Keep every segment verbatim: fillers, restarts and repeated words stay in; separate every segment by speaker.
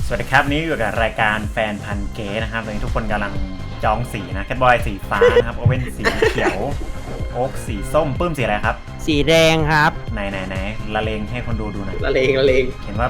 Speaker 1: สวัสดีครับนี่อยู่กับรายการแฟนพันเก๋นะครับตอนนี้ทุกคนกำลังจองสีนะแคทบอยสีฟ้านะครับโอเว่นสีเขียวโอ๊กสีส้มปื้มสีอะไรครับ
Speaker 2: สีแดงครับ
Speaker 1: ไหนไหนไหนละเลงให้คนดูดูหน่อย
Speaker 3: ละเลงละเลง
Speaker 1: เห็นว่า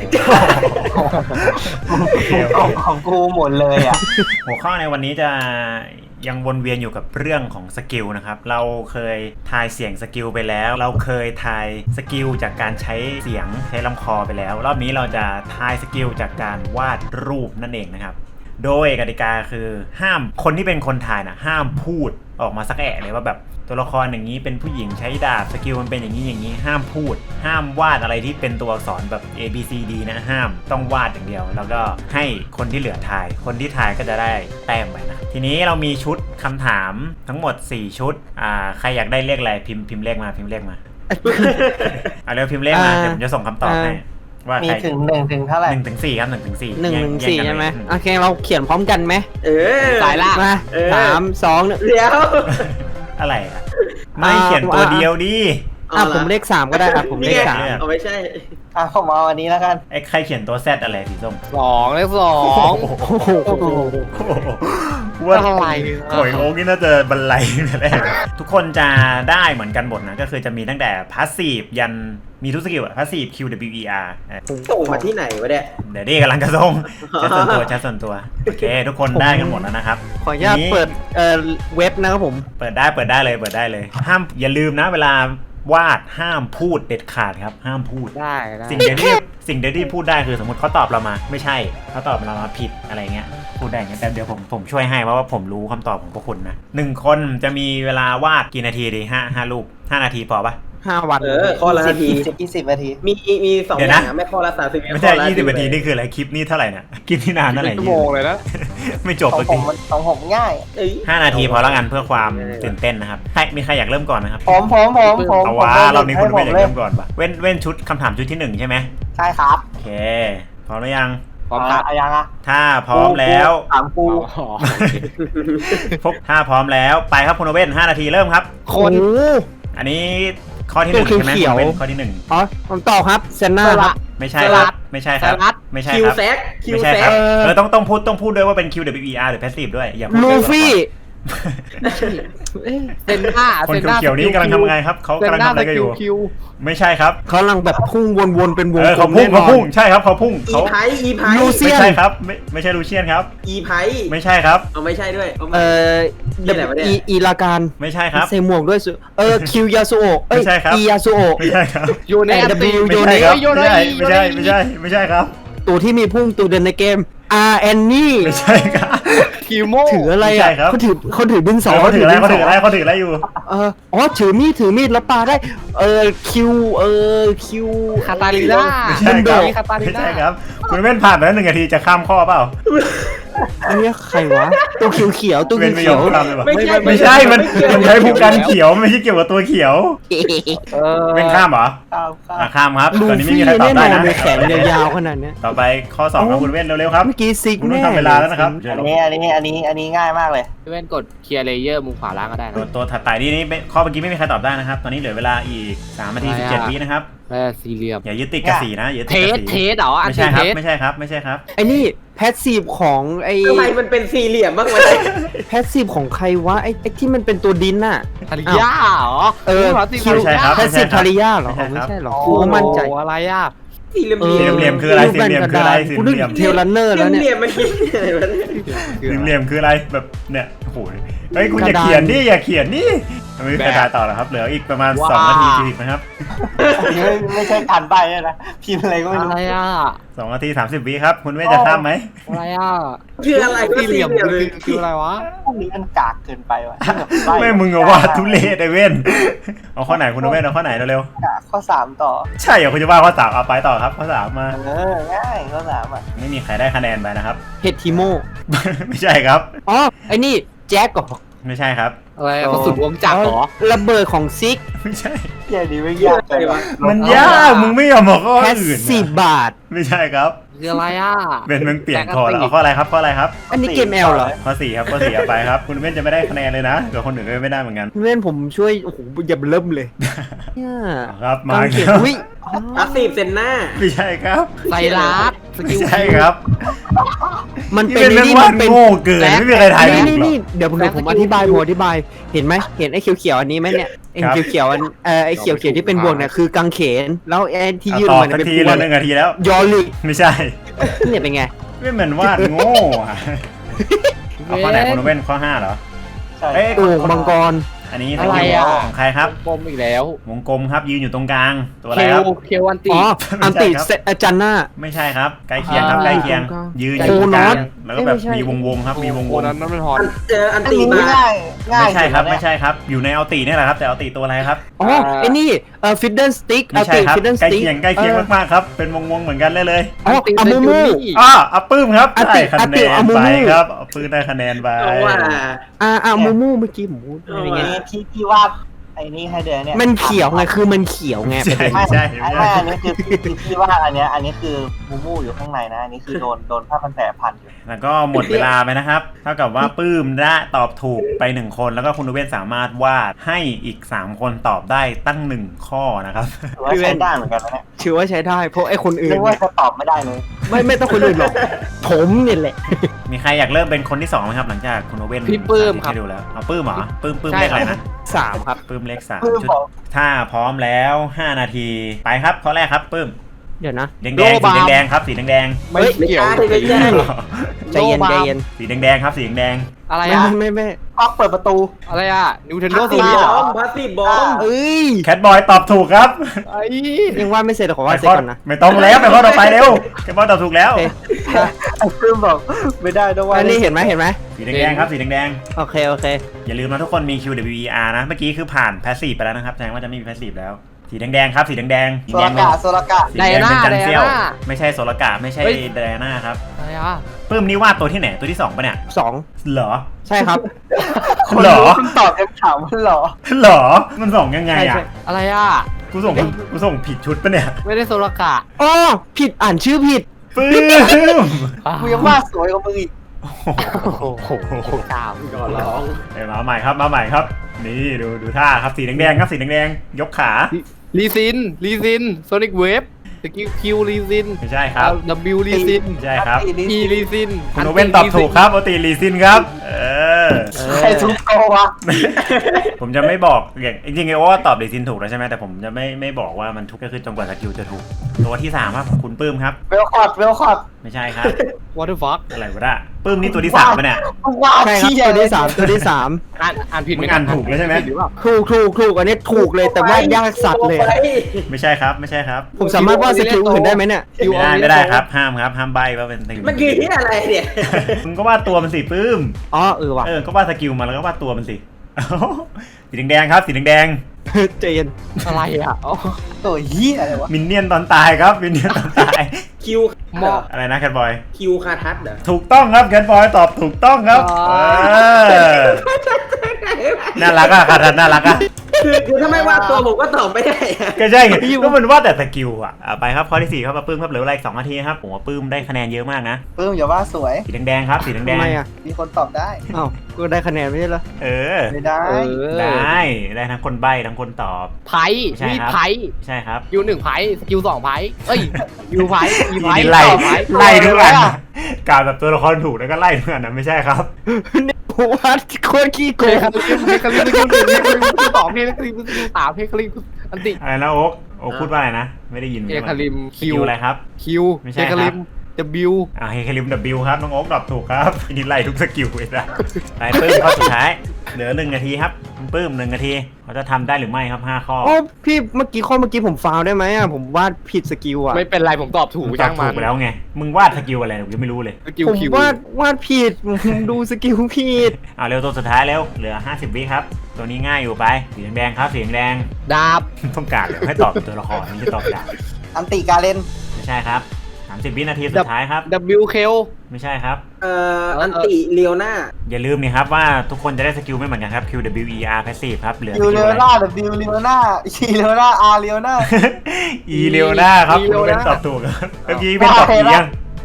Speaker 2: ของของกูหมดเลยอ่ะ
Speaker 1: หัวข้อในวันนี้จะยังวนเวียนอยู่กับเรื่องของสกิลนะครับเราเคยทายเสียงสกิลไปแล้วเราเคยทายสกิลจากการใช้เสียงใช้ลำคอไปแล้วรอบนี้เราจะทายสกิลจากการวาดรูปนั่นเองนะครับโดยกติกาคือห้ามคนที่เป็นคนทายนะห้ามพูดออกมาสักแอะเลยว่าแบบตัวละครอย่างนี้เป็นผู้หญิงใช้ดาบสกิลมันเป็นอย่างนี้อย่างนี้ห้ามพูดห้ามวาดอะไรที่เป็นตัวอักษรแบบ A B C D นะห้ามต้องวาดอย่างเดียวแล้วก็ให้คนที่เหลือทายคนที่ทายก็จะได้แต้มไปนะทีนี้เรามีชุดคำถามทั้งหมดสี่ชุดอ่าใครอยากได้เลขอะไรพิมพ์พิมพ์เลขมาพิมพ์เลขมาเอาเร็วพิมพ์เลขมาเดี๋ยวผมจะส่งคำตอบให้ว่า
Speaker 2: มีถึงหนึ่งถึงเท่าไหร่
Speaker 1: หนึ่งถึงสี่ครับหนึ่งถึงสี่
Speaker 2: หนึ่งถึงสี่ใช่ไหมโอเคเราเขียนพร้อมกันไหม
Speaker 3: เออ
Speaker 2: สายละมาสามสองหนึ่ง
Speaker 3: เดี๋ยว
Speaker 1: อะไรอ่ะไม่เขียนตัวเดียวดิ
Speaker 2: อ่ะผมเลขสามก็ได้อ่ะผมเลขสาม
Speaker 3: เอาไม่ใช่
Speaker 2: อ่ะผมเอาอันนี้แล้วกัน
Speaker 1: ไอ้ใครเขียนตัวแซดอะไรสีส้ม
Speaker 2: สองเลขสอง
Speaker 1: ว่าอะไรโอยโอ๊กนี่น่าจะบรรลัยแรกทุกคนจะได้เหมือนกันหมดนะก็คือจะมีตั้งแต่พาสซีฟยันมีทุกสกิลอะพาสซีฟ Q W E R
Speaker 3: ส่งมาที่ไหนวะเนี่ย
Speaker 1: เดี๋ยวดิกำลังจะส่งชัดส่วนตัวชัดส่วนตัวโอเคทุกคนได้กันหมดแล้วนะครับ
Speaker 2: ขออนุญาตเปิดเอ่อเว็บนะครับผม
Speaker 1: เปิดได้เปิดได้เลยเปิดได้เลยห้ามอย่าลืมนะเวลาวาดห้ามพูดเด็ดขาดครับห้ามพูด
Speaker 2: ได้
Speaker 1: สิ่งเดียวที่สิ่งเดียวที่พูดได้คือสมมติเขาตอบเรามาไม่ใช่เขาตอบเรามาผิดอะไรเงี้ยพูดได้งั้นแต่เดี๋ยวผมผมช่วยให้เพราะว่าผมรู้คำตอบของพวกคุณนะหนึ่งคนจะมีเวลาวาดกี่นาทีดีห้าห้ารูปห้านาทีพอปะ
Speaker 2: ห้าวัน
Speaker 3: เออข้อละนาที
Speaker 2: ยี่สิบนาที
Speaker 3: มีมีสองอย่างไม่ข้อละสามสิบ
Speaker 1: ไม่ใช่ยี่สิบนาทีนี่คืออะไรคลิปนี่เท่าไหร่เนี่ยคลิปที่นานเท่าไหร่
Speaker 2: ชั่วโมงเลยนะ
Speaker 1: ไม่จบ
Speaker 2: จริงของผมง่าย
Speaker 1: ห้านาทีพอแล้วกันเพื่อความตื่นเต้นนะครับใครมีใครอยากเริ่มก่อนไหมครับ
Speaker 2: ผมผมผมผม
Speaker 1: เอาว่าเรามีคนไม่อยากเริ่มก่อนปะเว้นเว้นชุดคำถามชุดที่หนึ่งใช่ไหม
Speaker 2: ใช่ครับ
Speaker 1: โอเคพร้อมหรือยัง
Speaker 2: พร้อมครับยังอ่ะ
Speaker 1: ถ้าพร้อมแล้ว
Speaker 2: ถามกู
Speaker 1: พบถ้าพร้อมแล้วไปครับคุณเว้นห้านาทีเริ่มครับ
Speaker 2: คน
Speaker 1: อันนี้ข้อที่หนึ่งใช่ไหมข้อที่หนึ่ง
Speaker 2: อ๋อผมตอบครับเซนน่าครับ
Speaker 1: ไม่ใช่ครับไม่ใช่ครับไม่ใช่ครับ
Speaker 3: คิวแซกคิว
Speaker 1: แซ
Speaker 3: ก
Speaker 1: เออต้องต้องพูดต้องพูดด้วยว่าเป็น Q W E R หรือ Passive ด้วยอย่าพูด
Speaker 2: ลูฟี่
Speaker 3: เซนน่า
Speaker 1: คนเขียวนี้กำลังทำไงครับเขากำลังทำอะไรกันอยู่ไม่ใช่ครับ
Speaker 2: เขากำลังแบบพุ่งวนๆเป็นวง
Speaker 1: เขาพุ่งเขาพุ่งใช่ครับเขาพุ่ง
Speaker 3: อีไพอีไพ
Speaker 1: ลูเซียนไม่ใช่ครับไม่ไม่ใช่ลูเซียนครับ
Speaker 3: อีไพ
Speaker 1: ไม่ใช่ครับ
Speaker 3: เอาไม่ใช่ด้วย
Speaker 2: เอออีอีลาการ
Speaker 1: ไม่ใช่ครับ
Speaker 2: ใส่หมวกด้วยเออคิวยาสุโอะ
Speaker 1: ไม่ใช่ครับ
Speaker 2: อียาสุโอะ
Speaker 1: ไม่ใช่ครับ
Speaker 2: โยเนส
Speaker 1: โยเนสไม่ใช่ไม่ใช่ไม่ใช่ไม่ใช่ครับ
Speaker 2: ตัวที่มีพุ่งตัวเดินในเกมอาร์แอนนี่
Speaker 1: ไม่ใช่ครับ
Speaker 2: คิวโมถืออะไรอ่ะเขาถือเขาถือดินสอ
Speaker 1: เขาถืออะไรเขาถืออะไรเขาถืออะไรอยู่
Speaker 2: เอออ๋อถือมีดถือมีดแล้วปาได้เออคิวเออคิวคาตาลิน่า
Speaker 1: ไม่ใช่ครับไม่ใช่ครับคุณเว้นผ่านแล้วหนึ่งนาทีจะข้ามข้อเปล่า
Speaker 2: อันนี้ใครวะตัวเขียวเขียวตัวเขียว
Speaker 1: ไม่ใช่ไม่ใช่มันมันใช้ผู้กันเขียวไม่ใช่เกี่ยวกับตัวเขียวเป็นข้ามเหรอข้ามครับตอนนี้ไม่มีใครตอบได้นะ
Speaker 2: แขนยาวขนาดนี้
Speaker 1: ต่อไปข้อสองครับคุณเว้นเร็วๆครับ
Speaker 2: เมื่อกี้ซิก
Speaker 1: คุณต้องทำเวลาแล้วนะครับ
Speaker 2: อันนี้อันนี้อันนี้อันนี้ง่ายมากเลย
Speaker 4: เว้นกดเคลียร์เลเยอร์มุมขวาล่างก็ได้นะ
Speaker 1: ตัวถัดไปนี่นี่ข้อเมื่อกี้ไม่มีใครตอบได้นะครับตอนนี้เหลือเวลาอีกสามนาทีสิบเจ็ดวินะครับ
Speaker 4: แล้วสี่เหลี่ยม
Speaker 1: อย่ายึดติดกับสีนะ
Speaker 4: เทสเทสเหรอ
Speaker 1: ไม่ใช่ครับไม่ใช่ครับไม่ใช่ครับ
Speaker 2: ไอ้นี่แพสซีฟของไอ้
Speaker 3: ทำไมมันเป็นสี่เหลี่ยมบ้างวะ
Speaker 2: แพสซีฟของใครวะไอ้ไอ้ที่มันเป็นตัวดินน่ะ
Speaker 4: ทาริยาเหรอ
Speaker 2: เออ
Speaker 1: ไม่ใช่ครับ
Speaker 2: แพสซีฟทาริยาเหรอไม่ใช่หรอกูมั่นใจ
Speaker 4: อะไรอ่ะ
Speaker 3: สี่เหลี่ยม
Speaker 1: สี่เหลี่ยมคืออะไรสี่เหลี่ยมคืออะไรสี่เหลี่ยม
Speaker 2: เทลันเนอร์แล้วเนี่ย
Speaker 3: สี่เหลี่ยมมันคิดอะไรวะ
Speaker 1: สี่เหลี่ยมคืออะไรแบบเนี่ยโอ้โหเฮ้ยคุณอย่าเขียนดิอย่าเขียนดิไม่มีใครตายต่อแล้วครับเหลืออีกประมาณสองนาทีสี่สิบนะครับ
Speaker 2: ไม่ใช่การใบ้เลยนะพิมพ์อะไรก็ไม่รู้
Speaker 4: อะไรอ่ะ
Speaker 1: สองนาทีสามสิบวิครับคุณเว้จะข้ามไหม
Speaker 4: อะไรอ่ะ
Speaker 3: คืออะไร
Speaker 4: สี่เหลี่ยมคืออะไรวะ
Speaker 2: พวกนี้มันกากเกินไปวะ
Speaker 1: ไม่มึงอะว่าทุเรศไอ้เว้นเอาข้อไหนคุณเว้นเอาข้อไหนเร็ว
Speaker 2: ๆข้อสามต่อ
Speaker 1: ใช่เหรอคุณจะว่าข้อสามเอาไปต่อครับข้อสามมา
Speaker 2: เออง่ายข้อสามอ่ะ
Speaker 1: ไม่มีใครได้คะแนนไปนะครับ
Speaker 2: เฮดทิโม
Speaker 1: ไม่ใช่ครับ
Speaker 2: อ๋อไอ้นี่แจ็คก่อ
Speaker 1: ไม่ใช่ครับ
Speaker 4: อะไรกระสุนวงจักรเหรอ
Speaker 2: ระเบิดของซิก
Speaker 1: ไม่ใช่
Speaker 2: อย่าดีไม่ยากเลยวะ
Speaker 1: มันยากมึงไม่ยอมบอกข้ออื่น
Speaker 2: สิบบาท
Speaker 1: ไม่ใช่ครับ
Speaker 4: คืออะไรอ่ะ
Speaker 1: เป็นมึงเปลี่ยนคอแล้วเอาข้ออะไรครับข้ออะไรครับ
Speaker 2: อันนี้เกมแอลเหรอ
Speaker 1: ข้อสี่ครับข้อสี่เอาไปครับคุณเว้นจะไม่ได้คะแนนเลยนะเดี๋ยวคนอื่นก็ไม่ได้เหมือนกัน
Speaker 2: เพื่อนผมช่วยโอ้โหอย่าเริ่มเลยเนี่ย
Speaker 1: เอาครับมา
Speaker 2: การเขียน
Speaker 1: ครับ
Speaker 2: อุ้ย
Speaker 3: พาสซีฟเซนหน้า
Speaker 1: ไม่ใช่ครับ
Speaker 4: ไซรัสส
Speaker 1: ไม่
Speaker 4: กิล
Speaker 1: ใช่ครับ
Speaker 2: มัน
Speaker 1: นี่
Speaker 2: เป็น
Speaker 1: เป็นเรื่อง
Speaker 2: นี่
Speaker 1: วา
Speaker 2: มั
Speaker 1: ด
Speaker 2: นเป็น
Speaker 1: โง่เกินไม่มีใครทาย
Speaker 2: นี่
Speaker 1: ถูก
Speaker 2: นี่
Speaker 1: หรอก
Speaker 2: นี่เดี๋ยวผมเดี๋ยวผมอธิบายผมอธิบายเห็นไหมเห็นไอ้เขียวๆอันนี้ไหมเนี่ยไอ้
Speaker 1: ครับ
Speaker 2: เขียวๆอันเออไอ้เขียวๆที่เป็นบวกเนี่ยคือกางเขนแล้วไอ้ที่
Speaker 1: เอา
Speaker 2: ยืด
Speaker 1: ต
Speaker 2: อ
Speaker 1: อ
Speaker 2: อบ กมา
Speaker 1: สั
Speaker 2: เนี่ย
Speaker 1: ก
Speaker 2: เป็น
Speaker 1: ที
Speaker 2: พว
Speaker 1: แล้วหนึ่งนาทีแล้ว
Speaker 2: ยอลิก
Speaker 1: ไม่ใช่
Speaker 2: เนี่ยเป็นไง
Speaker 1: ไม่เหมือนวาดโง่อะเอาข้อไหนคุณเว้นข้อห้าเหรอเอ้ย
Speaker 2: โอ่งมังกร
Speaker 1: อันนี้
Speaker 4: อะไรอ่ะ
Speaker 1: ของใครครับ
Speaker 4: ปมอีกแล้ว
Speaker 1: วงกลมครับยืนอยู่ตรงกลางตัวอะไร
Speaker 4: เค
Speaker 1: ครับ
Speaker 4: ลเคลอันติ
Speaker 2: อ๋ออันติ
Speaker 1: ไม่ใช่ครับ
Speaker 2: เซอาจันน่า
Speaker 1: ไม่ใช่ครับใกล้เคียงครับ
Speaker 4: อ่า
Speaker 1: ใกล้เคียง
Speaker 2: ตรงกลาง
Speaker 1: ยืนอยู่ตรงกลาง
Speaker 2: โคโนอต
Speaker 1: แล้วก็แบบ
Speaker 2: เอ้ยไม่ใช่
Speaker 1: มีวงวงๆครับมีวงว
Speaker 4: โอ้
Speaker 1: ง
Speaker 4: นั้นนั่นมันฮอน
Speaker 3: เจออันตีมา
Speaker 1: ไม่ใช่ครับไม่ใช่ครับอยู่ในเอาตีนี่แหละครับแต่เอาตีตัวอะไรครับ
Speaker 2: อ๋อไอ้นี่เอ่อฟิดเดิลสติ๊ก
Speaker 1: ไม่
Speaker 2: อัน
Speaker 1: ใช่
Speaker 2: ติ
Speaker 1: ครับ
Speaker 2: ฟิดเดิลส
Speaker 1: ใกล้
Speaker 2: ติ๊ก
Speaker 1: เคียงใกล้เคียงมากๆครับเป็นวงวงๆเหมือนกันเลยเลย
Speaker 2: อ๋ออามูมู
Speaker 1: อ้ออัปปื้มครับ
Speaker 2: อาติ
Speaker 1: ได้คะ
Speaker 2: อา
Speaker 1: แน
Speaker 2: ติ
Speaker 1: น
Speaker 2: อามู
Speaker 1: ไป
Speaker 2: มู
Speaker 1: ครับเอาปื้มได้คะแนนไป
Speaker 3: เอาว่า
Speaker 2: อ่าอ่ามูมูเมื่อกี้ผมพูด
Speaker 3: เอา
Speaker 2: อะไร
Speaker 3: ว่ะ
Speaker 2: เงี้ย
Speaker 5: นี่ที่ที่วาดไอ้นี่ให้เดือนเนี่ย
Speaker 2: มันเขียวไงคือมันเขียวไง
Speaker 1: ใช่
Speaker 5: ไม่
Speaker 1: ใช่
Speaker 5: ไม่
Speaker 1: ใช่
Speaker 5: ไม่อันนี้คือคือที่วาดอันเนี้ยอันนี้คือมูมูอยู่ข้างในนะอันนี้คือโดนโดนผ้าพันแผลพันอยู่
Speaker 1: แล้วก็หมดเวลาไปนะครับ เท่ากับว่าปื้มได้ตอบถูกไปหนึ่งคน แล้วก็คุณเว้นสามารถวาดให้อีกสามคนตอบได้ตั้งหนึ่งข้อนะครับ
Speaker 5: ถือว่าใช้ได้เหมือนกันนะเนี่ย
Speaker 2: ถือว่าใช้ได้เพราะไอ้คนอื่
Speaker 5: นึ
Speaker 2: น
Speaker 5: กว่า
Speaker 2: เนี่ย
Speaker 5: จะตอบไม่ได้เลย
Speaker 2: ไม่ไม่ต้องคนอื่นหรอกผมเนี่ยแหละ
Speaker 1: มีใครอยากเริ่มเป็นคนที่สองไหมครับ หลังจากคุณเว้น
Speaker 4: พี่ปื้มครับ
Speaker 1: ให้ดูแล้วเอาปื้มเหรอปื้มปื้ม
Speaker 4: ใช่
Speaker 1: เลขอะไร
Speaker 4: ครั
Speaker 1: นะ
Speaker 4: บ
Speaker 2: สามครับ
Speaker 1: ปื้มเลขสาม
Speaker 5: ปื้ม
Speaker 1: ชุด
Speaker 5: บอก
Speaker 1: ถ้าพร้อมแล้วห้านาทีไปครับข้อแรกครับปื้ม
Speaker 2: เดี๋ยวนะ
Speaker 1: แดงแดง
Speaker 4: โล
Speaker 1: สี
Speaker 4: บาร์
Speaker 1: แดงๆครับสีแดงแดง
Speaker 4: ไม่เกี่ยว
Speaker 3: ไม่ใช่ไม่ใช่
Speaker 1: ๆ
Speaker 2: ใจเย็นใจเย็น
Speaker 1: สีแดงแดงๆครับสีแดง
Speaker 4: อะไร
Speaker 2: ไม่
Speaker 4: อ่ะ
Speaker 2: ไม่ไม่
Speaker 5: ก๊อกเปิดประตู
Speaker 4: อะไรอ่ะนิวเทนโด
Speaker 3: พาส
Speaker 4: ส
Speaker 3: ซีฟ
Speaker 4: วี
Speaker 3: บ
Speaker 4: เหร
Speaker 3: อ
Speaker 4: อ
Speaker 3: มพาสซีฟบอม
Speaker 2: เอ้ย
Speaker 1: แคทบอยตอบถูกครับ
Speaker 4: ไอ้
Speaker 2: ยังว่าไม่เสร็จขอว่าเสร็จก่อนนะ
Speaker 1: ไม่ต้องแล้วไปข้อต่อไปเร็วแคทบอยตอบถูกแล้ว
Speaker 2: โอเค
Speaker 5: ไอ้ปื้มบอกไม่ได้ด้วยว่า
Speaker 2: อันนี้เห็นไหมเห็นไหม
Speaker 1: สีแดงๆครับสีแดง
Speaker 2: โอเคโอเค
Speaker 1: ๆอย่าลืมนะทุกคนมี คิว ดับเบิลยู อี อาร์ นะเมื่อกี้คือผ่านแพสซีฟไปแล้วนะครับแสดงว่าจะไม่มีแพสซีฟแล้วสีแดงๆครับสีแดงๆสี
Speaker 5: โซ
Speaker 1: แด
Speaker 5: ลาง
Speaker 1: เป็น
Speaker 5: กะโซลากะ
Speaker 1: สีแดงเป็นจันเซียว
Speaker 4: ไดอาน่า
Speaker 1: ไม่ใช่โซลกะไม่ใช่
Speaker 4: เฮ้ย
Speaker 1: ไดอาน่าครับ
Speaker 4: อะไรอ่ะ
Speaker 1: ปื้มนี่วาดตัวที่ไหนตัวที่สองปะเนี่ย
Speaker 2: สอง
Speaker 1: เหรอ
Speaker 2: ใช่ครับ
Speaker 1: เหรอ
Speaker 5: คุณตอบคำถามว่าเหรอ
Speaker 1: เหรอมันส่งยังไง
Speaker 2: ใช่
Speaker 1: อ่ะ
Speaker 2: ใช่
Speaker 4: อะไรอ่ะ
Speaker 1: กูส่งกูส่งผิดชุดปะเนี่ย
Speaker 4: ไม่ได้โซลกะ
Speaker 2: อ๋อผิดอ่านชื่อผิด
Speaker 1: ปื้ม
Speaker 5: กูยังวาดสวยกว่ามึงอีก
Speaker 1: โอ้โห
Speaker 4: โอ้โหกามก่อนร้อง
Speaker 1: เอ้ยมาใหม่ครับมาใหม่ครับ นี่ดูดูท่าครับสีแดงๆครับสีแดงๆยกขา
Speaker 4: ลีซินลีซินโซนิกเวฟสกิลคิวลีซิน
Speaker 1: ไม่ใช่ครับ
Speaker 4: ดับบิวลีซิน
Speaker 1: ไม่ใช่ครับ
Speaker 4: อีลีซิน
Speaker 1: คุณโอเว่นตอบถูกครับโอตีลีซินครับ เออ
Speaker 5: ใครทุกโตวะ
Speaker 1: ผมจะไม่บอกอย่างจริงๆไอ้โอ้ตอบลีซินถูกแล้วใช่ไหมแต่ผมจะไม่ไม่บอกว่ามันถูกก็คือจนกว่าสกิลจะถูก ตัวที่สามครับคุณปื้มครับ
Speaker 5: เวลคอร์ดเวลคอร์ด
Speaker 1: ไม่ใช่ครับ
Speaker 4: วอเตอร์ฟัก
Speaker 1: อะไรวะน่ะปื้มนี่ตัวที่สามปะเนี่ย
Speaker 5: ว้าว
Speaker 2: ใช่ครับ
Speaker 5: เชี่ย
Speaker 2: ตัวที่สามตัวที่สาม
Speaker 4: อ่านอ่านผิดไหม
Speaker 1: มึงอ่านถูกแล้วใช่ไหม
Speaker 4: ผิดหรือเปล่า
Speaker 2: ถูกถูกถูกอันนี้ถูกเลยแต่ว่ายากสัตว์เลยอะ
Speaker 1: ไม่ใช่ครับไม่ใช่ครับ
Speaker 2: ผมสามารถวาดสกิลอื่นได้ไหมเนี่ย
Speaker 1: ไม่ได้ไม่ได้ครับห้ามครับห้ามใบว่าเป็นสกิล
Speaker 3: มันคือที่อะไรเนี่ย
Speaker 1: มึงก็วาดตัวมันสิปื้ม
Speaker 2: อ๋อเออว่ะ
Speaker 1: เออก็วาดสกิลมาแล้วก็วาดตัวมันสิ เอ้าสีแดงๆครับสีแดง
Speaker 2: ใจเย็น
Speaker 4: อะไรอ่ะอ๋อ
Speaker 5: ตัวเหี้ยอะไรวะ
Speaker 1: ๆมินเนี่ยนตอนตายครับมินเนี่ยนตอนตาย
Speaker 3: คิว
Speaker 4: มอ
Speaker 1: อะไรนะแคทบอย
Speaker 3: คิวคาทัศน์เหรอ
Speaker 1: ถูกต้องครับแคทบอยตอบถูกต้องครับ
Speaker 4: อ๋อ
Speaker 1: เออน่ารักอะคาทันน่ารักอะ
Speaker 3: คือคือถ้าไม่ว่าตัวผมก็ตอบไม่ได้อะ
Speaker 1: ก็ใช่ไงก็มันว่าแต่สกิลอะอ่ะไปครับข้อที่สี่ครับมาปื้มครับเหลือเวลาอีกสองนาทีครับผมว่าปื้มได้คะแนนเยอะมากนะ
Speaker 5: ปื้มอย่าว่าสวย
Speaker 1: สีแดงๆครับสีแด
Speaker 2: ทำ
Speaker 1: ง
Speaker 2: ไมอ่ะ
Speaker 5: มีคนตอบได้
Speaker 2: อ้าวก็ได้คะแนนไม่ใช่เหรอ
Speaker 1: ๆเออ
Speaker 5: ไม่ได้
Speaker 4: เออ
Speaker 1: ได้ได้ทั้งคนใบ้ทั้งคนตอบ
Speaker 4: ไพ่
Speaker 1: ใช่
Speaker 4: มีด
Speaker 1: ครับ
Speaker 4: ไพ่
Speaker 1: ใช่ครับ
Speaker 4: ยูหนึ่งไพ่สกิลสองไพ่เอ้ยยูไพ่ยูไพ่
Speaker 1: นี่ไล่
Speaker 4: ต่อไพ่
Speaker 1: ไล่ทุกอันนะกล่าวแบบตัวละครถูกแล้วก็ไล่ทุกอันนะไม่ใช่ครับ
Speaker 2: เนี่ยผมวาดโคตรขี้โก
Speaker 4: เพล
Speaker 2: ง
Speaker 4: คาริมเพลคาริมสกิลหนึ่งเพลคาริมสกิลสองเพลคาริมสกิลสามเพลคาริมอันติ
Speaker 1: อะไรนะโอ๊กโอ๊กพูดว่าอะไรนะไม่ได้ยิน
Speaker 4: เพลคาริม
Speaker 1: คิ
Speaker 4: คิ
Speaker 1: ว
Speaker 4: ว
Speaker 1: อะไรครับ
Speaker 4: คิว
Speaker 1: ไม่
Speaker 4: เพ
Speaker 1: ใช่
Speaker 4: ล
Speaker 1: ครับ
Speaker 4: คาริมบิว
Speaker 1: อ่าเฮคาริมดับบิลครับน้องโอ๊กตอบถูกครับนี่ไล่ทุกสกิลเลยนะไปปื้มข้อสุดท้ายเหลือหนึ่งนาทีครับคุณปื้มหนึ่งนาทีเขาจะทำได้หรือไม่ครับห้าข้อ
Speaker 2: โอ้พี่เมื่อกี้ข้อเมื่อกี้ผมฟาวได้ไหมอ่ะผมวาดผิดสกิลอ่ะ
Speaker 4: ไม่เป็นไรผมตอบถูก
Speaker 1: มึงตอ
Speaker 4: ช่า
Speaker 1: บ
Speaker 4: ง
Speaker 1: ถู
Speaker 4: มั
Speaker 1: ก
Speaker 4: น
Speaker 1: ไปแล้วไงมึงวาดสกิลอะไรผมยังไม่รู้เลย
Speaker 4: สกิล
Speaker 2: ผม
Speaker 4: คิว
Speaker 2: วาดวาดผิดผมดูสกิลผิด
Speaker 1: เอาเร็วตัวสุดท้ายเร็วเหลือห้าสิบวิครับตัวนี้ง่ายอยู่ไปสีแดงๆครับสีแดง
Speaker 4: ดาบ
Speaker 1: ๆต้องการเลยให้ตอบเป็นตัวละครไม่ใช่ตอบดาบ
Speaker 5: อันติการเล่น
Speaker 1: ไม่ใช่ครับสามสิบวินาทีสุดท้ายครับ
Speaker 4: ดับบิวเคล
Speaker 1: ไม่ใช่ครับ
Speaker 3: เอ่ออันติเลียวหน้า
Speaker 1: อย่าลืมนี่ครับว่าทุกคนจะได้สกิลไม่เหมือนกันครับ คิว ดับเบิลยู อี อาร์ Passive ครับเหลือส
Speaker 5: ยู
Speaker 1: กิล
Speaker 5: เลี
Speaker 1: อะ
Speaker 5: ยว
Speaker 1: ไร
Speaker 5: หน้าดับบิวเลียวหน้าชีเลียวหน้าอาร์เลียวหน้า
Speaker 1: อีเลียวหน้าครับคุณเป็นตอบถูกครับเมื่อกี้เป็นตอบอียัง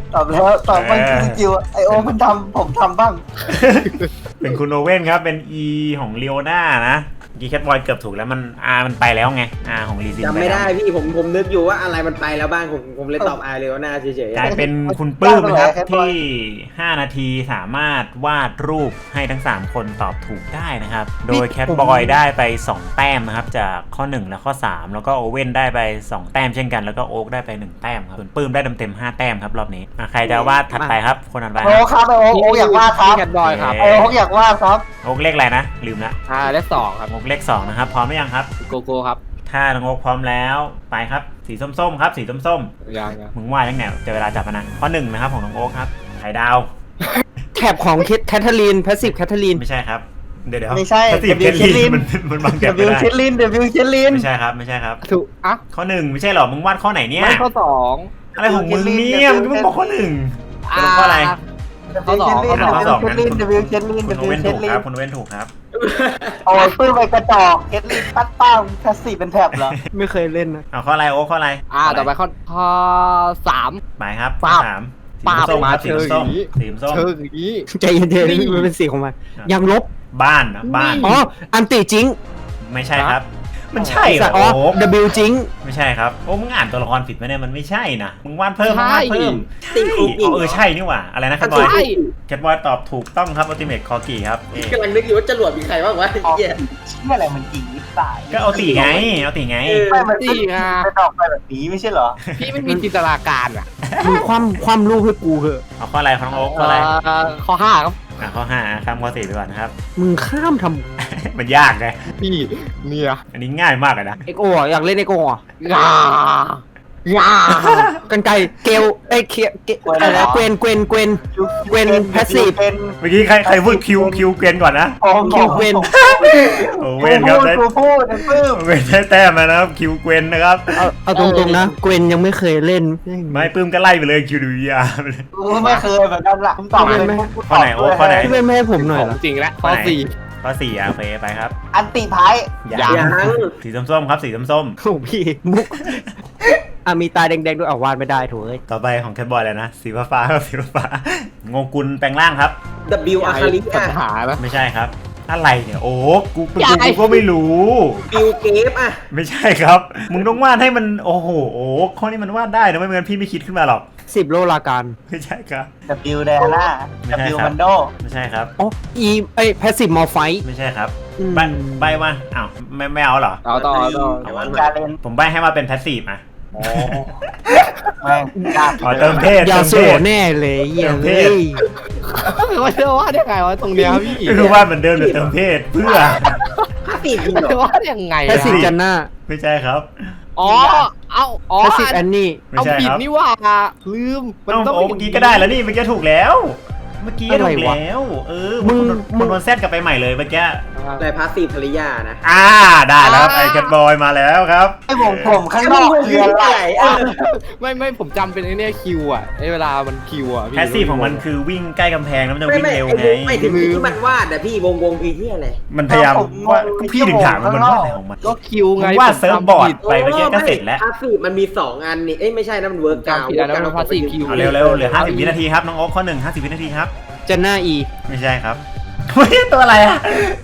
Speaker 5: ตอบแล้วตอบมันคือสกิลไอโอมันทำผมทำบ้าง
Speaker 1: เป็นคุณโอเว่นครับเป็น E ของเลโอนานะกีแคทบอยเกือบถูกแล้วมัน R มันไปแล้วไง R ของลีซิน
Speaker 3: จำไม่ได้พี่ผมผมนึกอยู่ว่าอะไรมันไปแล้วบ้างผมผมเลยตอบอาเรโอนาเฉย
Speaker 1: กลายเป็นคุณปื้มนะครับที่ห้านาทีสามารถวาดรูปให้ทั้งสามคนตอบถูกได้นะครับโดยแคทบอยได้ไปสองแต้มนะครับจากข้อหนึ่งและข้อสามแล้วก็โอเว่นได้ไปสองแต้มเช่นกันแล้วก็โอ๊กได้ไปหนึ่งแต้มครับส่วนปื้มได้เต็มๆห้าแต้มครับรอบนี้อ่ะใครจะวาดถัดไปครับคนถัดไป
Speaker 5: โอครับไอโอโออยากวาดครับ
Speaker 4: แคทบอยครับ
Speaker 5: ไอโออยากวาดครับ
Speaker 1: โอ๊กเลขอะไรนะลืมละ
Speaker 4: อ่าเลขสองครับ
Speaker 1: โอ๊กเลขสองนะครับพร้อมหรือยังครับ
Speaker 4: โกโก้ครับ
Speaker 1: ถ้าน้องโอ๊กพร้อมแล้วไปครับสีส้มๆครับสีส้ม
Speaker 4: ยังยัง
Speaker 1: ๆมึงว่ายังไงจะเวลาจับมันนะข้อหนึ่งนะครับของน้องโอ๊กครับไข่ดาว
Speaker 2: แถบของแคทเธอรีนแพสซีฟแคทเธอรีน
Speaker 1: ไม่ใช่ครับเดี๋ยวเดี๋ยว
Speaker 5: ไม่ใช่
Speaker 1: ถ้าสี
Speaker 5: เด
Speaker 1: เค
Speaker 5: วิ
Speaker 1: ล
Speaker 5: ล
Speaker 1: ลี่
Speaker 5: เคลลิน
Speaker 1: มันมันบัง
Speaker 5: เด
Speaker 1: แดด
Speaker 5: วิ
Speaker 1: ไม่
Speaker 5: ล
Speaker 1: ได้
Speaker 5: เคลลินเดวิลเคลลิน
Speaker 1: ไม่ใช่ครับไม่ใช่ครับ
Speaker 4: ถูกอ่ะ
Speaker 1: ข้อหนึ่งไม่ใช่หรอมึงวาดข้อไหนเนี่ย
Speaker 4: ไม่ข้อสอง
Speaker 1: อะไรของมึงเนี่ยมึงก็มึงบอกข้อหนึ่งสรุปข้ออะไร
Speaker 4: ข้อสองข้อสอง
Speaker 1: ข้อสอง
Speaker 5: เคลลินเดวิลเคลลิน
Speaker 1: คุ
Speaker 5: เด
Speaker 1: ณโอ
Speaker 5: วิล
Speaker 1: เว่น
Speaker 5: เค
Speaker 1: ถู
Speaker 5: ล
Speaker 1: ก
Speaker 5: ลิ
Speaker 1: คน รับคุณโอเว่นถูกครับ
Speaker 5: โอ้ยปื้มไปกระจอกเคลลินตั้งป้างแคสซี่เป็นแถบเหรอ
Speaker 2: ไม่เคยเล่นนะ
Speaker 1: เอาข้ออะไรโอ้ข้ออะไร
Speaker 4: อ่าต่อไปข้อข้อสาม
Speaker 1: หมายครับ
Speaker 4: ปาบ
Speaker 1: สามสี
Speaker 4: ปาบ
Speaker 1: ส้มครับ
Speaker 4: มา
Speaker 1: สี
Speaker 4: เชิง
Speaker 1: ส้ม
Speaker 4: อย่างนี้
Speaker 1: สีส้ม
Speaker 4: เชิงอย่างนี้
Speaker 2: ใจเย็นๆมันเป็นสีของมันยังลบ
Speaker 1: บ้านนะบ้าน
Speaker 2: อ๋ออันติจิง
Speaker 1: ไม่ใช่ครับ มันใช่เหรอ
Speaker 2: อ๋อ
Speaker 1: โอ้
Speaker 2: W จิง
Speaker 1: ไม่ใช่ครับโอ้มึงอ่านตัวละครผิดไหมเนี่ยมันไม่ใช่นะมึงวาดเพิ่มมึงวาดเพิ่ม
Speaker 3: ตี
Speaker 1: ใช่
Speaker 3: คุก
Speaker 1: อ๋อเออใช่นี่หว่าอะไรนะแคทบอย
Speaker 4: ใช่
Speaker 1: แคทบอยตอบถูกต้องครับอัลติเมทคอร์กี้ครับเอ๊ะ
Speaker 3: กำลังนึกอยู่ว่าจรวดมีใครบ้างวะ
Speaker 5: ออก
Speaker 3: เหี้ย
Speaker 5: เชื่ออะไรมันจริงนิสัย
Speaker 1: ก็เอาตีไงเอาตีไง
Speaker 3: เออ
Speaker 5: ไม่มัน
Speaker 4: จริงอ่ะ
Speaker 5: เป็นออกไปแบบนี้ไม่ใช่เหรอ
Speaker 4: พี่ไม่มีจินตนาการอ่ะ
Speaker 2: มึงคว่ำคว่ำรูปให้กูเหอะ
Speaker 1: เอาข้ออะไรของน้องโอ๊คข้ออะไร
Speaker 4: เอ่อข้อห้าครับ
Speaker 1: อ่ะข้อห้าข้ามข้อสี่ไปก่อนนะครับ
Speaker 2: มึงข้ามท
Speaker 1: มันยากไง
Speaker 4: พี่เนี่ย
Speaker 1: อันนี้ง่ายมากเลยนะ
Speaker 2: ำเอ็กโออยากเล่นเอ็กโออ่ะ
Speaker 4: งางา
Speaker 2: กันไกเกลไอ้เคียเกอะไรเกวนเกวนเกวน เว้น passive
Speaker 5: เป็น
Speaker 1: เมื่อกี้ใครใครพูดคิวคิวเกวียนก่อนนะ
Speaker 2: คิวเกวน
Speaker 1: โอ้เวนครับได้
Speaker 5: กูพูดไอ้ปื้ม
Speaker 1: เวนได้แต้มมานะครับคิวเกวียนนะครับ
Speaker 2: เอาเอาตรงๆนะเกวนยังไม่เคยเล่น
Speaker 1: ไม่ปื้มก็ไล่ไปเลยคิวดูยาไปเลย
Speaker 5: กูไม่เคยเหมือนกันล่ะมึงตอบเลย
Speaker 2: ไม่
Speaker 5: กู
Speaker 1: ข้อไหนโอ้ข้อไหน
Speaker 2: พี่เล่นไม่ให้ผมหน่อย
Speaker 4: ข
Speaker 2: เหร
Speaker 4: อ
Speaker 2: อง
Speaker 4: จริงแล้ว
Speaker 1: ข้
Speaker 4: ข้
Speaker 1: อ
Speaker 4: อ
Speaker 1: ไหน
Speaker 4: สี่
Speaker 1: ข้อสี่อ่ะโอเคไปครับ
Speaker 5: อันติไพ่
Speaker 1: ยั
Speaker 3: ยัง
Speaker 1: สีส้มๆครับสีส้ม
Speaker 2: โอ้พี่มุกอ่ะมีตาแดงๆด้วยอ่ะวาดไม่ได้โถูกเอ้ย
Speaker 1: ๆต่อไปของแคทบอยแล้วนะสีฟ้าๆครับสีฟ้าๆงงกุลแปลงร่างครับ
Speaker 3: W อาคาริ
Speaker 4: ปัญ
Speaker 3: อะ
Speaker 4: หานะ
Speaker 1: ไม่ใช่ครับ อะไรเนี่ยโอ้กูกู
Speaker 4: ใหญ่
Speaker 1: กูก็ไม่รู้
Speaker 3: บิลเกฟอะ
Speaker 1: ไม่ใช่ครับ มึงต้องวาดให้มันโอ้โหโอ้ข้อนี้มันวาดได้นะไม่งั้นพี่ไม่คิดขึ้นมาหรอก
Speaker 2: สิบโลลาการ
Speaker 1: ไม่ใช่ครับ
Speaker 5: ดับบิวแดน่า
Speaker 1: ไม่
Speaker 5: ดับ
Speaker 1: ใช่
Speaker 5: บิว
Speaker 1: ครับ
Speaker 5: มันโด
Speaker 1: ไม่ใช่ครับ
Speaker 2: อ๋ออีไอแพสซีฟมอลไฟ
Speaker 1: ไม่ใช่ครับ
Speaker 2: อืม
Speaker 1: ใบใบมาอ้าวไม่ไม่เอาเหรอ
Speaker 4: ต่อต่อต่อ
Speaker 3: แต่ว่า
Speaker 5: การเล่น
Speaker 1: ผมใบให้มาเป็นแพสซีฟอ่ะ
Speaker 5: โอ้แม่งยาก
Speaker 1: ขอเติมเทศ
Speaker 2: ยา
Speaker 1: เติม
Speaker 2: โซ
Speaker 1: เทศ
Speaker 2: แน่เลยเหี้ย
Speaker 1: เติมเท
Speaker 2: เฮ้
Speaker 1: ศ
Speaker 2: ย
Speaker 4: ว่าจะว่าได้ไงวะตรงเนี้ยพี่
Speaker 1: ก็คือวาดเหมือนเดิมแต่เติมเทศเพื่อ
Speaker 3: ห้าสี่จริงเหร
Speaker 4: จะ
Speaker 3: อ
Speaker 4: ว่ายังไง
Speaker 2: แพสซีฟ
Speaker 4: อะ
Speaker 2: จันน่า
Speaker 1: ไม่ใช่ครับ
Speaker 4: อ๋อ เอาอ๋อ
Speaker 2: แพสซีฟแอนนี่
Speaker 1: ไม่
Speaker 4: เอา
Speaker 1: ใช่
Speaker 4: ผิด
Speaker 1: ครับ
Speaker 4: นี่ว่าลืม
Speaker 1: เอ้า
Speaker 4: ต้อง
Speaker 1: โอ้เมื่อกี้ก็ได้แล้วนี่เมื่อกี้ถูกแล้ว เมื่อกี้ถูก
Speaker 2: อะไรวะ
Speaker 1: แล้ว เออ
Speaker 2: มึ
Speaker 1: มึ
Speaker 2: ง
Speaker 1: ง
Speaker 2: มึ
Speaker 1: มึ
Speaker 2: ง
Speaker 1: งโดนแซดกลับไปใหม่เลยเมื่อกี้
Speaker 3: อะไรพาสซีฟภริยานะ
Speaker 1: อ่าได้แล้วครับไอ้แคทบอยมาแล้วครับ
Speaker 5: ไอ้ผมผมข้างนอกคืออะไร
Speaker 3: อะ
Speaker 4: ไม่ไม่ผมจำเป็นไอ้เนี่ยคิวอ่ะไอ้เวลามันคิวอ่ะพี่
Speaker 1: แพสซีฟของมันคือวิ่งใกล้กำแพงแล้วมันจะ
Speaker 3: ไม่
Speaker 1: วิ่ง
Speaker 3: ไม่
Speaker 1: เร็ว
Speaker 3: ไอ้
Speaker 1: ไง
Speaker 3: มุกไม่ถึงที่มันวาดอะพี่วงวงพีที่อะไร
Speaker 1: มันพยายามว่าพี่ถึงถามมันมันวาดอะไรของมัน
Speaker 4: ก็คิวไง
Speaker 1: มึงวาด
Speaker 4: ผม
Speaker 1: เซิร์ฟ
Speaker 4: จำ
Speaker 1: บอร์ด
Speaker 4: ผิด
Speaker 1: ไปเมื่อกี้ก็เสร็จแล้ว
Speaker 3: พาสซีฟมันมีสองอันนี่เอ้ยไม่ใช่นะมันเวิร์กกาว
Speaker 4: จำผิดแล้วนะมัน passive คิว
Speaker 1: เอาเร็วๆเหลือห้าสิบวินาทีครับน้องโอ๊คข้อหนึ่งห้าสิบวินาทีครับ
Speaker 2: จันน่าอี
Speaker 1: ไม่ใช่ครับ เฮ้ยตัวอะไรอ่ะ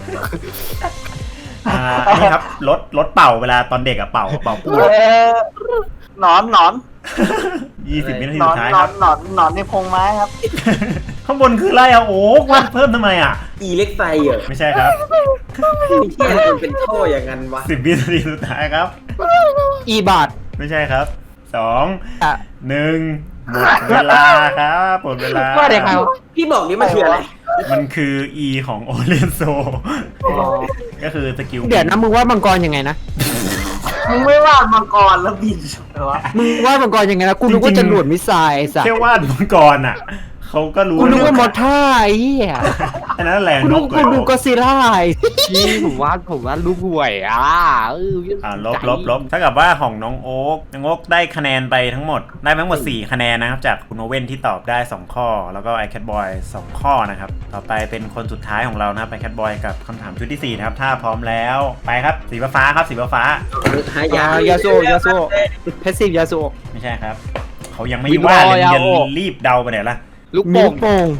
Speaker 1: อ่านี่ครับรถรถเป่าเวลาตอนเด็กอะเป่าเป่าปู
Speaker 5: เออหนอนหนอน
Speaker 1: ยี่สิบวินาที
Speaker 5: หนอ
Speaker 1: สุ
Speaker 5: น
Speaker 1: ดท้าย
Speaker 5: หน
Speaker 1: ค
Speaker 5: อ
Speaker 1: รั
Speaker 5: น
Speaker 1: บ
Speaker 5: หนอนหนอนในพงไม้ครับ
Speaker 1: ข้างบนคืออะไรอ่ะโอ้วาดเพิ่มทำไมอ่ะ
Speaker 3: อีเล็กไซเหรอ
Speaker 1: ไม่ใช่ครับ
Speaker 3: ที่อะไรมันเป็นท่ออย่างนั้นวะ
Speaker 1: สิบวินาทีสุดท้ายครับ
Speaker 2: อีบาท
Speaker 1: ไม่ใช่ครับสอง
Speaker 2: อ่ะ
Speaker 1: หนึ่งหมดเวลาครับหมดเวลา
Speaker 4: ว่าได้ไงวะ
Speaker 3: พี่บอกนี่มันคืออะไร
Speaker 1: มันคือ E ของโอเลียนโซก็คือสกิล
Speaker 2: เดี๋ยวนะมึงว่ามังกรยังไงนะ
Speaker 5: มึงไม่วาดมังกรแล้วบินเหรอวะ
Speaker 2: มึงว่ามังกรยังไงนะกูนึกว่าจะหลวดมิสไซล์ไอ้สัส
Speaker 1: แค่วาดมังกรอ่ะเขาก็รู้
Speaker 2: กูนึกว่ามอท่าไอ้เหี้ย
Speaker 1: อันนั้นแหละ
Speaker 2: กู
Speaker 1: น
Speaker 2: นึก
Speaker 1: ก
Speaker 2: กูดูก็ซิล่าไอ้
Speaker 4: พี่ผมว่าผมว่าลูกห่วยอ่ะเออ
Speaker 1: อ่าลบลบลบถ้ากับว่าของน้องโอ๊กน้องโอ๊กได้คะแนนไปทั้งหมดได้ทั้งหมดสี่คะแนนนะครับจากคุณโอเว่นที่ตอบได้สองข้อ แล้วก็ไอแคทบอยสองข้อนะครับต่อไปเป็นคนสุดท้ายของเรานะครับไอแคทบอยกับคำถามชุดที่สี่นะครับถ้าพร้อมแล้วไปครับสีฟ้าๆครับสีฟ้า
Speaker 3: หายาย
Speaker 2: าโซยาโซเพสซีฟยาโซ
Speaker 1: ๆไม่ใช่ครับเขายังไม่ว่าเลยมึงจะรีบเดาไปไหนล่ะ
Speaker 4: ลูก
Speaker 2: นิ้
Speaker 4: โป่
Speaker 2: ว
Speaker 4: ง
Speaker 2: โป่ง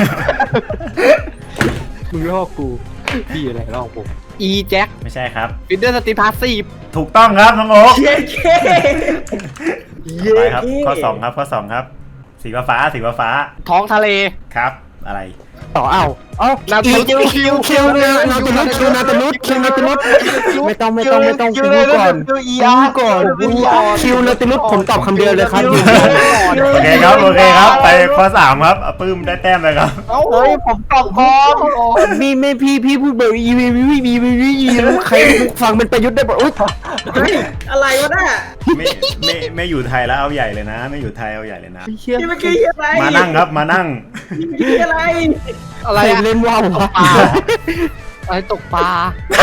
Speaker 4: มึงลอกกูพี่อะไรลอกผมอีแจ็ค
Speaker 1: ไม่ใช่ครับ
Speaker 4: ฟินเดอร์สตีพาสซีฟ
Speaker 1: ถูกต้องครับน้องโอ๊ค
Speaker 3: เย้เย้เย้
Speaker 1: ไปครับข้อสองครับข้อสองครับ สีฟ้าสีฟ้า
Speaker 4: ท้องทะเล
Speaker 1: ครับอะไร
Speaker 2: ต่อเอ้าเอ้า
Speaker 4: นา
Speaker 2: อี
Speaker 4: ตู
Speaker 2: คิวคิวคิวนาตาลุดคิวนาตาลุดคิวนาตาลุดไม่ต้องไม่ต้องไม่ต้องกูรู้ก่อน
Speaker 5: คิวอี
Speaker 2: กู
Speaker 5: อา
Speaker 2: รู้ก่อนกูรู้ก่อนคิวนาตาลุดผมตอบคำเดียวเลยครับอยู่
Speaker 1: โอเคครับโอเคครับไปข้อสามครับอ่ะปื้มได้แต้มไปครับ
Speaker 5: เฮ้ยผมตอบพร้อม
Speaker 2: มีไม่พี่พี่พูดแบบอีวีวีวีวีวีวีใครฟังเป็นประยุทธ์ได้บอกอุ๊ย
Speaker 3: เฮ้ยอะไรวะน่ะ
Speaker 1: ไม่ไม่ไม่อยู่ไทยแล้วเอาใหญ่เลยนะ ไม่อยู่ไทยเอาใหญ่เลยนะ
Speaker 2: เชี่ย
Speaker 3: นี่เมื่อกี้อะไร
Speaker 1: มานั่งครับมานั่ง
Speaker 3: นี่อะไร
Speaker 4: อะไร
Speaker 2: ใคร
Speaker 4: อะ
Speaker 2: เล่นว่าววะ
Speaker 4: ปลาอะไรตกปลา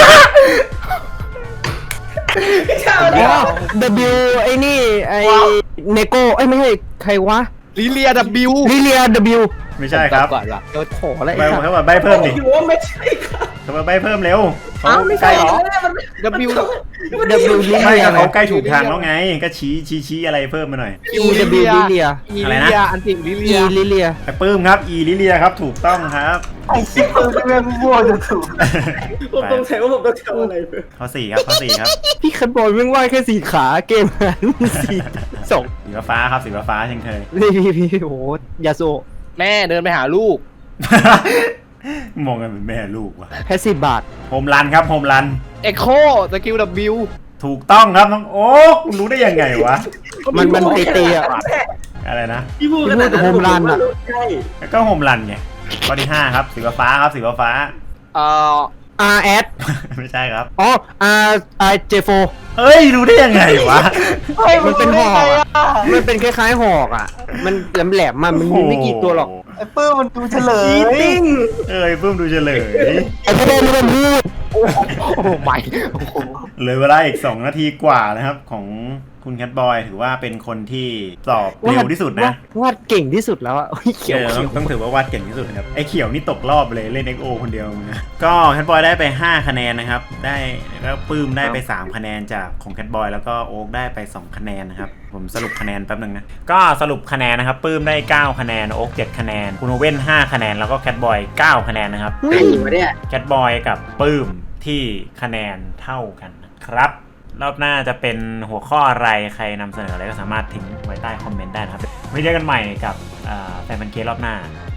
Speaker 3: เจ้า
Speaker 2: อ๋
Speaker 3: เดียว
Speaker 2: อ W ไอ้นี่ไอ้เนโก้ไอ้ไม่ใช่ใครวะ
Speaker 4: ลิเลียดับบิว
Speaker 2: ลิเลีย W
Speaker 1: ไม่ใช่ครับ
Speaker 4: ก่อนละ
Speaker 2: เดี๋ยวขออะไร
Speaker 1: ไป
Speaker 2: ครับ
Speaker 1: เขาบอกใบเพิ่มดิ
Speaker 3: อยู่ว่าไม่ใช่ครับ
Speaker 1: เขาบอกใบเพิ่มเร็วเขา
Speaker 3: อ้าวไม่
Speaker 1: ใก
Speaker 3: ใช่
Speaker 1: ล้
Speaker 3: เหรอมัน
Speaker 4: ดับบิว
Speaker 3: มัน
Speaker 2: W ลิ
Speaker 1: ไม่
Speaker 2: เลีย
Speaker 1: ก็เขาใกล้ถูกทางแล้วไง ก็ชี้ชี้ชี้อะไรเพิ่มมาหน่อย
Speaker 2: E W ลิเลีย
Speaker 4: อี
Speaker 1: อะไร
Speaker 4: ลิ
Speaker 1: นะ
Speaker 4: เลียอันติลิ
Speaker 2: E
Speaker 4: เลีย
Speaker 2: ลิเลีย
Speaker 1: ไอ้ปื้มครับอีลิเลียครับถูกต้องครับ
Speaker 5: ไอ้ชิบปืนเรื่องมั่วจะถูก
Speaker 3: ผมต้องใช้ว่าผมต้องทำอะไรเพื่อ
Speaker 1: ข้อสี่ครับข้อสี่ครับ
Speaker 2: พี่คันบอลแม่งว่ายแค่สี่ขาเกมหายมึงสี่สอง
Speaker 1: สีฟ้าครับสีฟ้าเช่นเคย
Speaker 2: นี่พี่พี่โอ้โหยาโซ
Speaker 4: แม่เดินไปหาลูก
Speaker 1: มองกันเป็นแม่ลูกว่ะ
Speaker 2: แพสซีฟบาท
Speaker 1: โฮมรันครับโฮมรัน
Speaker 4: เอ็กโคสกิลดับบิว
Speaker 1: ถูกต้องครับน้องโอ๊ครู้ได้ยังไงวะ
Speaker 2: มันมันเตะๆอ่ะ
Speaker 1: อะไรนะ
Speaker 3: พี่พูดขนาดนั้น
Speaker 2: โฮมรันอะ
Speaker 3: ใช่
Speaker 1: แล้วก็โฮมรันไงข้อที่ห้าครับสีฟ้าครับสีฟ้า
Speaker 4: เอ่อ
Speaker 2: R S
Speaker 1: ไม่ใช่ครับ
Speaker 2: อ๋อ R R J โฟ
Speaker 1: เฮ้ยรู้ได้ยังไงวะ
Speaker 2: มันเป็นหอกอะมันเป็นคล้ายๆหอกอ่ะ มันแหลมๆมามันมีไม่กี่ตัวหรอก
Speaker 5: ไอ้ปื้มมันดูเฉลย
Speaker 3: ชีติ้ง
Speaker 1: เอ้ยเพิ่มดูเฉลย
Speaker 2: ไอ้ประเด็นมันพูด
Speaker 4: โอ้โหใหม่โอ้โห
Speaker 1: เหลือเวลาอีกสองนาทีกว่านะครับ ของคุณแคทบอยถือว่าเป็นคนที่ตอบเร็วที่สุดนะ
Speaker 2: วาดเก่งที่สุดแล้วอ่ะโอ้ยเขียว
Speaker 1: เออ
Speaker 2: เขี
Speaker 1: ต้
Speaker 2: ย
Speaker 1: อง
Speaker 2: ว
Speaker 1: ต้องถือว่าวาดเก่งที่สุดนะครับไอ้เขียวนี่ตกรอบเลยเล่น เอ็ก โอ คนเดียวนะก็แคทบอยได้ไปห้าคะแนนนะครับได้แล้วปื้มได้ไปสามคะแนนจากของแคทบอยแล้วก็โอ๊กได้ไปสองคะแนนนะครับผมสรุปคะแนนแป๊บนึงนะก็สรุปคะแนนนะครับปื้มได้เก้าคะแนนโอ๊กเจ็ดคะแนนคุณโอเว่นห้าคะแนนแล้วก็แคทบอยเก้าคะแนนนะครับ
Speaker 3: ไอ้มาเนี่ย
Speaker 1: แคทบอยกับปื้มที่คะแนนเท่ากันนะครับรอบหน้าจะเป็นหัวข้ออะไรใครนำเสนออะไรก็สามารถทิ้งไว้ใต้คอมเมนต์ได้นะครับไว้เจอกันใหม่กับแฟนพันธุ์เครอบหน้า